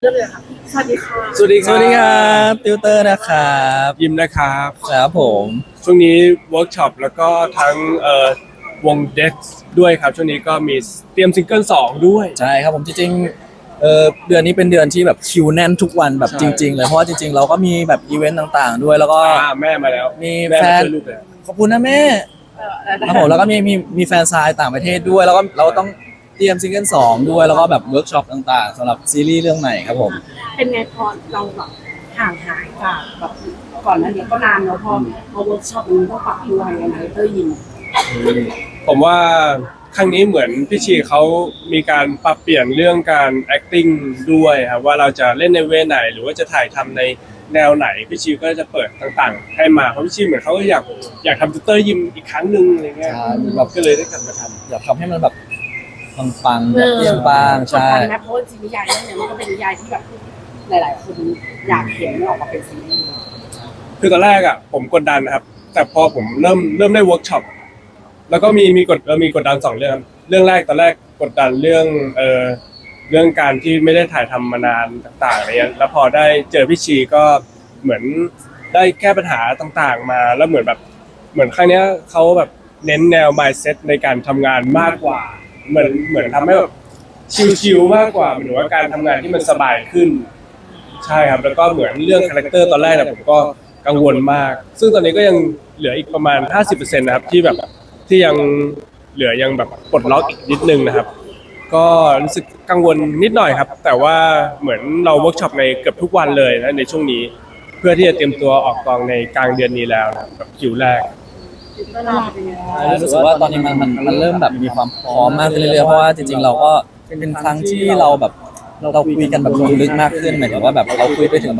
เริ่มเลยค่ะสวัสดีค่ะสวัสดีคสวัสดีครัรับ บติวเตอร์นะครับยิมนะครับครับผมช่วงนี้เวิร์กช็อปแล้วก็ทั้งวงเด็กด้วยครับช่วงนี้ก็มีเตรียมซิงเกิล2ด้วยใช่ครับผมจริงๆเดือนนี้เป็นเดือนที่แบบคิวแน่นทุกวันแบบใช่จริงๆเลยเพราะว่าจริงๆเราก็มีแบบอีเวนต์ต่างๆด้วยแล้วก็แม่มาแล้วมีแม่แฟมาน ช่วยลูกแล้วขอบคุณนะแม่ครับผมแล้วก็มีแฟนซายต่างประเทศด้วยแล้วก็เราต้องเตรียมซิงเกิล2ด้วยแล้วก็แบบเวิร์กช็อปต่างๆสำหรับซีรีส์เรื่องใหม่ครับผมเป็นไงพอเราแบบห่างหายจากแบบก่อนหน้านี้ก็นานแล้วพอเวิร์กช็อปมันต้องปรับตัวยังไงเตอร์ยินผมว่าครั้งนี้เหมือนพี่ชีเขามีการปรับเปลี่ยนเรื่องการ acting ด้วยครับว่าเราจะเล่นในเวไหนหรือว่าจะถ่ายทำในแนวไหนพี่ชีก็จะเปิดต่างๆ ให้มาเพราะพี่ชีเหมือนเขาก็อยากทำติวเตอร์ยิมอีกครั้งหนึ่งอะไรเงี้ยใช่แบบก็เลยได้กลับมาทำอยากทำให้มันแบบปังๆแบบเปรี้ยงปังกดใช่ดันนะเพราะว่าจริงนิยายเรื่องนี้มันก็เป็นนิยายที่แบบหลายๆคนอยากเห็นมันออกมาเป็นซีรีส์คือตอนแรกอ่ะผมกดดันนะครับ แต่พอผมเริ่มได้เวิร์กช็อปแล้วก็มีกดดัน2 เรื่องครับเรื่องแรกตอนแรกกดดันเรื่องการที่ไม่ได้ถ่ายทำมานานต่างๆอะไรเงี้ยแล้วพอได้เจอพี่ชีก็เหมือนได้แก้ปัญหาต่างๆมาแล้วเหมือนครั้งเนี้ยเขาแบบเน้นแนว mindset ในการทำงานมากกว่าเหมือนทำให้แบบชิลๆมากกว่าหรือว่าการทำงานที่มันสบายขึ้น ใช่ครับแล้วก็เหมือนเรื่องคาแรคเตอร์ตอนแรกเนี่ยผมก็กังวลมาก ซึ่งตอนนี้ก็ยังเหลืออีกประมาณ 50%นะครับที่ยังเหลือยังแบบปลดล็อกอีกนิดนึงนะครับ ก็รู้สึกกังวลนิดหน่อยครับ แต่ว่าเหมือนเราเวิร์กช็อปในเกือบทุกวันเลยนะในช่วงนี้ เพื่อที่จะเตรียมตัวออกกองในกลางเดือนนี้แล้วนะครับแบบคิวแรกเตอร์ลาเป็นยังไงรู้สึกว่าตอนนี้มันเริ่มแบบมีความพร้อมมากขึ้นเรื่อยๆเพราะว่าจริงๆเราก็เป็นครั้งที่เราแบบเราคุยกันแบบลงลึกมากขึ้นหมายถึงว่าแบบเราคุยไปถึงแบบ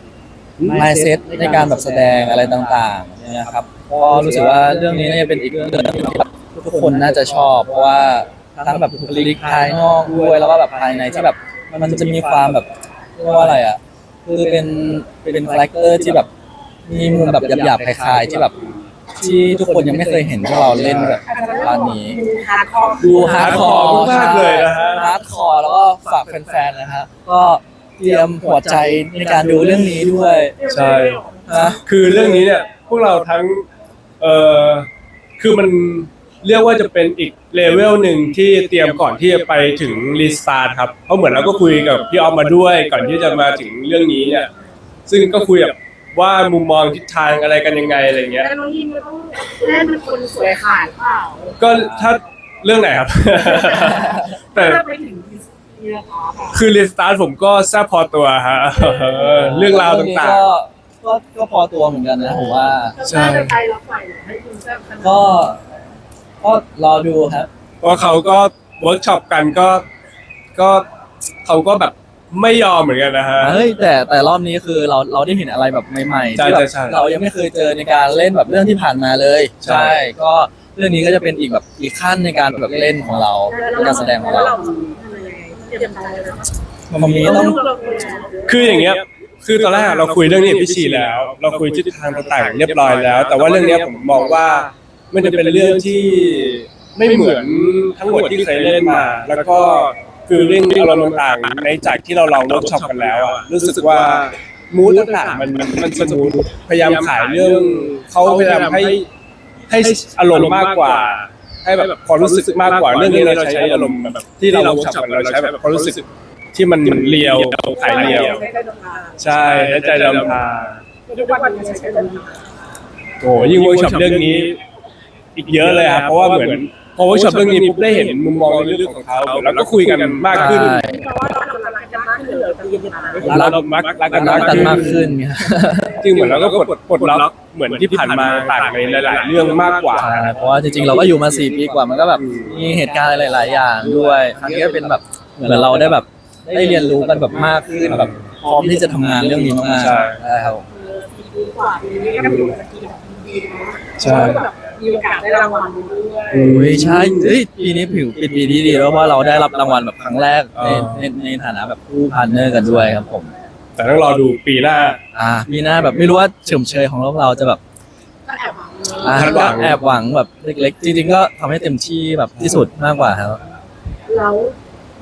mindset ในการแบบแสดงอะไรต่างๆเนี่ยครับก็รู้สึกว่าเรื่องนี้น่าจะเป็นอีกเรื่องหนึงที่แบบทุกคนน่าจะชอบเพราะว่าทั้งแบบบุคลิกภายนอกด้วยแล้วก็แบบภายในที่แบบมันจะมีความแบบเรียกว่าอะไรอ่ะคือเป็นคาแรคเตอร์ที่แบบมีมุมแบบหยาบๆคล้ายๆที่แบบที่ทุกคนยังไม่เคยเห็นพวกเราเล่นแบบตอนนี้ฮาร์ดคอร์ดูฮาร์ดคอร์มากเลยนะฮะฮาร์ดคอร์แล้วก็ฝากแฟนๆนะฮะก็เตรียมหัวใจในการดูเรื่องนี้ด้วยใช่นะคือเรื่องนี้เนี่ยพวกเราทั้งเอ่อคือมันเรียกว่าจะเป็นอีกเลเวลหนึ่งที่เตรียมก่อนที่จะไปถึงรีสตาร์ทครับเพราะเหมือนเราก็คุยกับพี่ออฟมาด้วยก่อนที่จะมาถึงเรื่องนี้เนี่ยซึ่งก็คุยแบบว่ามุมมองทิศทางอะไรกันยังไงอะไรเงี้ยแต่น้องยินก็ต้องเล่นเป็นคนสวยขาดเปล่าก็ถ้าเรื่องไหนครับ แต่ถ้าไปถึงนี่นะคะคือรีสตาร์ทผมก็แซ่บพอตัวฮะ เรื่องราวต่างก็พอตัวเหมือนกันนะผมว่าใช่จะไปแล้วไปให้คุณแซ่บขนาดก็รอดูครับๆเพราะเขาก็เวิร์กช็อปกันก็เขาก็แบบไม่ยอมเหมือนกันนะฮะเฮ้ยแต่รอบนี้คือเราได้เห็นอะไรแบบใหม่ๆใช่ที่แบบใช่เรายังไม่เคยเจอในการเล่นแบบเรื่องที่ผ่านมาเลยใช่ก็เรื่องนี้ก็จะเป็นอีกแบบอีกขั้นในการแบบเล่นของเราการแสดงของเราทำยังไงเตรียมใจเลยมันมีต้องคืออย่างเงี้ยคือตอนแรกเราคุยเรื่องนี้กับพี่ชีแล้ว เราคุยทิศทางต่างๆเรียบร้อยแล้ว แต่ว่าเรื่องเนี้ยผมมองว่ามันจะเป็นเรื่องที่ไม่เหมือนทั้งหมดที่เคยเล่นมา แล้วก็คือเรื่องอารมณ์ต่างๆในจากที่เราลองเวิร์กช็อปกันแล้วอะรู้สึกว่ามูดต่างๆมันสมูทพยายามขายเรื่องเขาพยายามให้อารมณ์มากกว่า ให้แบบความรู้สึกมากกว่าเรื่องนี้เราใช้อารมณ์แบบที่เราเวิร์กช็อปกันเราใช้แบบความรู้สึกที่มันเรียวขายเรียว ใช่และใจดำพาทุกวันนี้ใช้เดินทางโอ้ยิ่งเวิร์กช็อปเรื่องนี้ อีกเยอะเลยครับเพราะว่าเหมือนพอเวิร์กช็อปเรื่องนี้ปุ๊บได้เห็นมุมมองในเรื่องของเขาแล้วก็คุยกันมากขึ้นใช่เพราะว่าเราทำอะไรกันมากขึ้นเลยตอนเย็นๆนะเรารักกันรักกันมากขึ้ขึ้นนเนี่ยจริงเหมือนเราก็ปลดล็อกเหมือนที่ผ่านมาต่างในหลายๆเรื่องมากกว่าใช่เพราะว่าจริงๆเราก็อยู่มา4 ปีกว่ามันก็แบบมีเหตุการณ์หลายๆอย่างด้วยครั้งนี้ก็เป็นแบบเหมือนเราได้แบบได้เรียนรู้กันแบบมากขึ้นแบบพร้อมที่จะทำงานเรื่องนี้มากๆใช่ใช่ครับดีกว่าปีนี้ก็ถือว่าดีนะใช่แบบมีโอกาสได้รางวัลด้วยโอ้ยใช่เฮ้ยปีนี้ผิวเป็นปีที่ดีแล้วเพราะเราได้รับรางวัลแบบครั้งแรกในฐานะแบบผู้พาร์ทเนอร์กันด้วยครับผมแต่ต้องรอดูปีหน้ามีหน้าแบบไม่รู้ว่าเฉมเชยของเราจะแบบก็แอบหวังคาดหวัก็งแอบหวังแบบเล็กๆจริงๆก็ทำให้เต็มที่แบบที่สุดมากกว่าครับแล้ว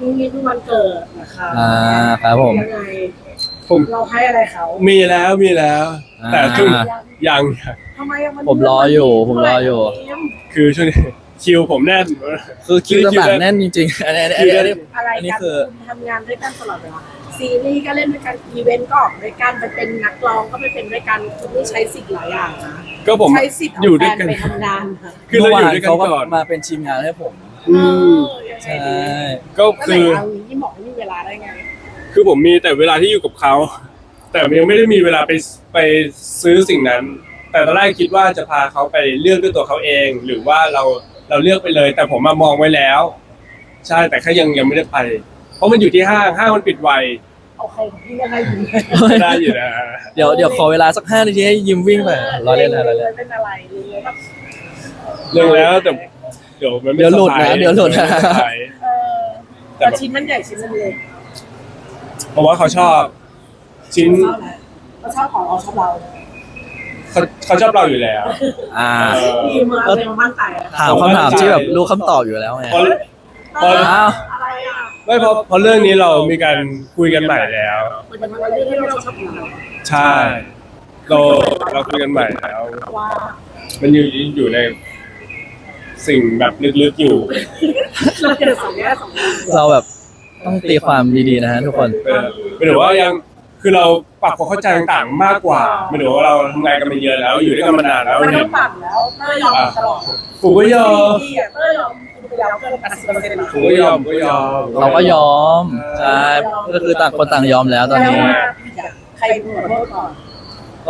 นี่เพิ่งวันเกิดนะคะครับผมยังไงผมเราให้อะไรเขามีแล้วแต่ช่วงยังทำไมอะนผมรออยู่คือช่วงนี้คิวผมแน่นคือคิวต่างๆแน่นจริงๆอันนี้อะไรอันนี้กันคือคุณทำงานด้วยกันตลอดเวลาซีรีส์ก็เล่นด้วยกันอีเวนต์ก็ออกด้วยกันไปเป็นนักร้องก็ไปเป็นด้วยกันคุณนี่ใช้สิทธิ์หลายอย่างนะก็ผมใช้สิทธิ์อยู่เอาแฟด้วยนกันไปทำงานค่ะคือเราเมื่ออวายู่นด้วยกันเขาก็ก่อนมาเป็นทีมงานให้ผมอืมยังไงใช่ดีก็ก็เลคืยอเอาอย่างนี้บอกไม่มีเวลาได้ไงคือผมมีแต่เวลาที่อยู่กับเขา แต่ยังไม่ได้มีเวลาไปซื้อสิ่งนั้น แต่ตอนแรกคิดว่าจะพาเขาไปเลือกด้วยตัวเขาเอง หรือว่าเราเลือกไปเลย แต่ผมมามองไว้แล้ว ใช่แต่แค่ยังไม่ได้ไป เพราะมันอยู่ที่ห้างมันปิดไวโอเคพี่ยังไงดีได้อยู่นะเดี๋ยวขอเวลาสัก5 นาทีให้ยิมวิ่งไปรอเล่นนะรอเล่นเป็นอะไรเลยแบบเรื่องแล้วแต่เดี๋ยวมันไม่เดี๋ยวหลุดนะสบายเดี๋ยวหลุดนะไม่สบาย แต่แต่แบบชิ้นมันใหญ่ชิ้นมันเล็กเพราะว่าเขาชอบชิ้นเขาชอบของเราชอบเราเขาชอบเราอยู่แล้วอ่าดีมือเอาเลยมามั่นใจอะถามคำถามที่แบบรู้คำตอบอยู่แล้วไงเพราะเอออ้าวอะไรอ่ะไม่เพราะเรื่องนี้เรามีการคุยกันใหม่แล้วมันเป็นเรื่องที่เราชอบของเราใช่เราคุยกันใหม่แล้วว่ามันอยู่ในสิ่งแบบลึกๆอยู่เราเจอสองแง่สองแง่เราแบบต้องตีความดีๆนะฮะทุกคนไม่ถือว่ายังคือเราปรับความเข้าใจต่างๆมากกว่าไม่ถือว่าเราทำงานกันมาเยอะแล้วอยู่ด้วยกันมานานแล้วมันเห็ต้อน งปั่นแล้วเต้ยยอมตลอดผมก็ยอมดีอ่ะเต้ยยอมคุณไปแล้วเกิน80% ผมก็ยอมเราก็ยอมใช่ก็คือต่างคนต่างยอมแล้วตอนนี้ใครขอโทษก่อนก็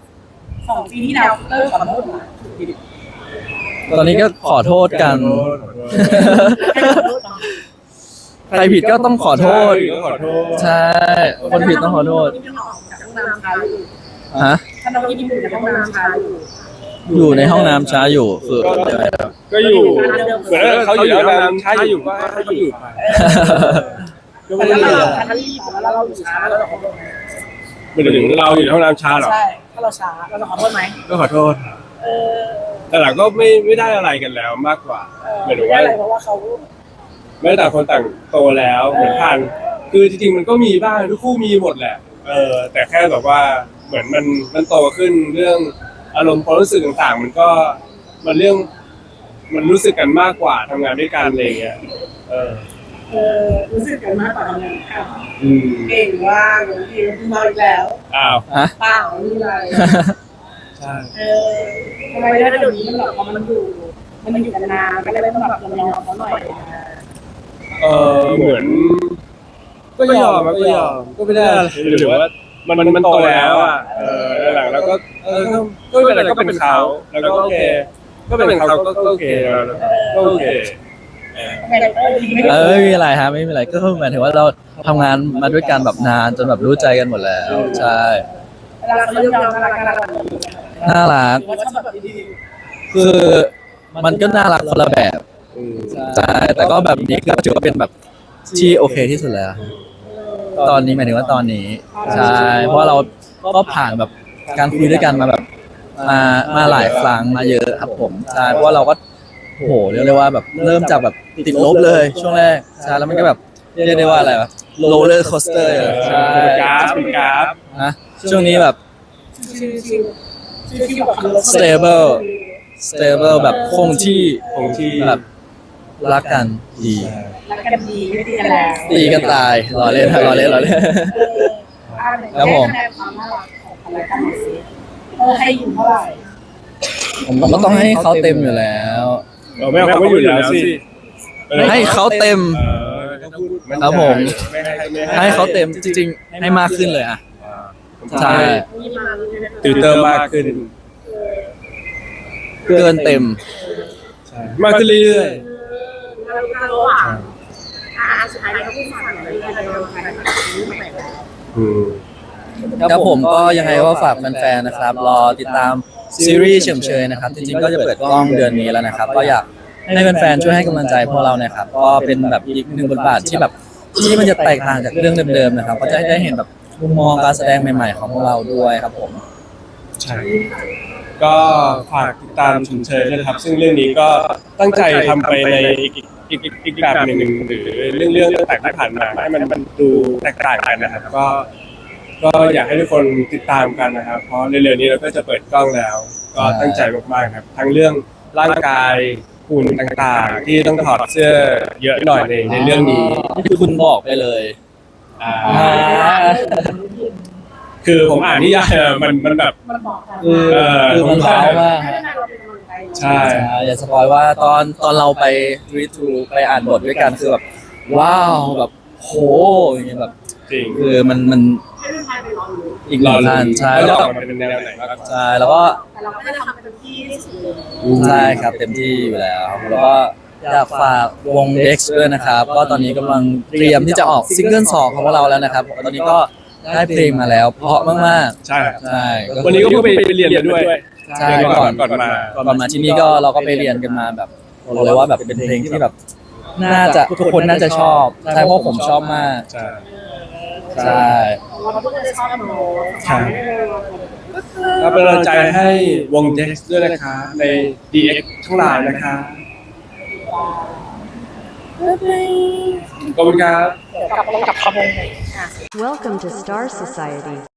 2 ปีที่แล้วเต้ยขอโทษนะตอนนี้ก็ขอโทษกันใครขอโทษก่อนใครผิดก็ต้องขอโทษก็ขอโทษใช่ คนผิดต้องขอโทษจากห้องน้ำช้าอยู่ฮะถ้าน้องยิ้มอยู่ในห้องน้ำช้าอยู่อยู่ในห้องน้ำช้าอยู่คือยังไงครับก็อยู่เหมือนเขาอยู่แล้วน้ำช้าอยู่ก็ให้เขาอยู่ไปก็ไม่ได้ถ้ามีเราอะไรถ้ารีบแล้วเราอยู่ช้าเราจะขอโทษไหมไม่ถึงเราอยู่ในห้องน้ำช้าหรอใช่ถ้าเราช้าเราจะขอโทษไหมก็ขอโทษเออแต่หลังก็ไม่ได้อะไรกันแล้วมากกว่าหมายถึงไม่ว่าอะไรเพราะว่าเขาไม่ต่างคนต่างโตแล้วเหมือนผ่านคือจริงๆมันก็มีบ้างทุกคู่มีหมดแหละแต่แค่แบบว่าเหมือนมันโตขึ้นเรื่องอารมณ์ความรู้สึกต่างๆ มันเรื่องมันรู้สึกกันมากกว่าทำงานด้วยกันอะไรอย่างเงี้ยรู้สึกกันมากกว่าทำงานค่ะอืมเก่งว่างดีมาอีกแล้วอ้าวฮะเปล่าไม่มีอะไรใช่ทำไมถ้าเดี๋ยวนี้มันแบบพอมันอยู่กันนานก็เลยต้องแบบยอมเขาหน่อยเหมือนก็ยอมก็ไม่ได้อะไรหรือว่ามันโตแล้วอ่ะหลังแล้วก็ไม่เป็นไรก็เป็นเขาแล้วก็โอเคก็เป็นเขาก็โอเคก็โอเคไม่มีอะไรฮะไม่มีอะไรก็หมายถึงว่าเราทำงานมาด้วยกันแบบนานจนแบบรู้ใจกันหมดแล้ว ใช่เวลาเขายอมน่ารักน่ารักว่าชอบแบบดีคือมันก็น่ารักคนละแบบใช่แต่ก็แบบนี้ก็ถือว่าเป็นแบบที่โอเคที่สุดแล้ว ตอนนี้หมายถึงว่าตอนนี้ใช่เพราะเราก็ผ่านแบบการคุยด้วยกันมาแบบมาหลายครั้งมาเยอะครับผมใช่เพราะว่าเราก็โอ้โหเรียกได้ว่าแบบเริ่มจากแบบติดลบเลยช่วงแรกใช่แล้วมันก็แบบเรียกได้ว่าอะไรวะโรลเลอร์โคสเตอร์ใช่เป็นกราฟนะช่วงนี้แบบชื่อแบบ stable แบบคงที่ของที่แบบรักกันดีรักกันดีไม่ตีกันแล้วตีกันตายรอเล่นรอเล่น ครับผมคะแนนความน่ารักของอะไรกันหน่อยสิให้อยู่เท่าไหร่ผมก็ต้องให้เขาเต็มอยู่แล้วไม่เอาเขาไม่อยู่แล้วสิให้เขาเต็ม ครับผม ให้เขาเต็มจริงๆให้มากขึ้นเลยอ่ะใช่ติวเตอร์มากขึ้นเกินเต็มมากขึ้นเรื่อยระหว่างสุดท้ายเขาพูดสั่งอะไรกันเราใครไม่ไหนแล้วๆครับผมก็ยังไงก็ฝากแฟนๆนะครับ รอติดตามซีรีส์เฉมเชยนะครับ จริงๆก็จะเปิดกล้องเดือนนี้แล้วนะครับ ก็อยากให้แฟนๆช่วยให้กำลังใจพวกเรานะครับ ก็เป็นแบบอีกหนึ่งบทบาทที่แบบที่มันจะแตกต่างจากเรื่องเดิมๆนะครับ ก็จะได้เห็นแบบมุมมองการแสดงใหม่ๆของพวกเราด้วยครับผมใช่ก็ฝากติดตามชมเชยด้วยนะครับ ซึ่งเรื่องนี้ก็ตั้งใจทำไปในอีกอีกแบบหนึ่งหรือเรื่องต่างๆที่ผ่านมาให้มันดูแตกต่างกันนะครับก็อยากให้ทุกคนติดตามกันนะครับเพราะเร็วๆนี้เราก็จะเปิดกล้องแล้ว ก็ตั้งใจมากๆครับทั้งเรื่องร่างกายหุ่นต่างๆ ที่ต้องถอดเสื้อเยอะหน่อยในเรื่องนี้นี่คือคุณบอกไปเลยอ่าคือผมอ่านนิยายอะมันแบบมันบอกกันคือมันว้าวมากให้เราเป็นกำลังใจใช่อย่าสปอยว่าตอนเราไปรีทูไปอ่านบทด้วยกันคือแบบว้าวแบบโหอย่างเงี้ยแบบจริงคือมันให้ทุกท่านไปลองดูอีกหนึ่งขั้นใช่แล้แล้ว วออกมาเป็นแนวไหนบ้างใช่แล้วก็แต่เราก็จะทำเต็มที่ที่สุดเลยใช่ครับเต็มที่อยู่แล้วแล้วก็อยากฝากวง Dex ด้วยนะครับ ก็ตอนนี้กำลังเตรียมที่จะออกซิงเกิล2ของพวกเราแล้วนะครับ ตอนนี้ก็ได้เพลงมาแล้วเพราะมากใช่ๆใช่วันนี้ก็เพิ่งไปเรียนมาด้วยใช่ก่อนมาที่นี่ก็เราก็ไปเรียนกันมาแบบบอกเลยว่าแบบเป็นเพลงที่แบบน่าจะทุกคนน่าจะชอบใช่เพราะผมชอบมากใช่ใช่เราทุกคนจะชอบโน้ตครับ ก็เป็นกำลังใจให้วง Dex ด้วยนะคะใน DX ทั้งหลายนะคะ ขอบคุณครับกลับขบวนหน่อย Welcome to Star Society.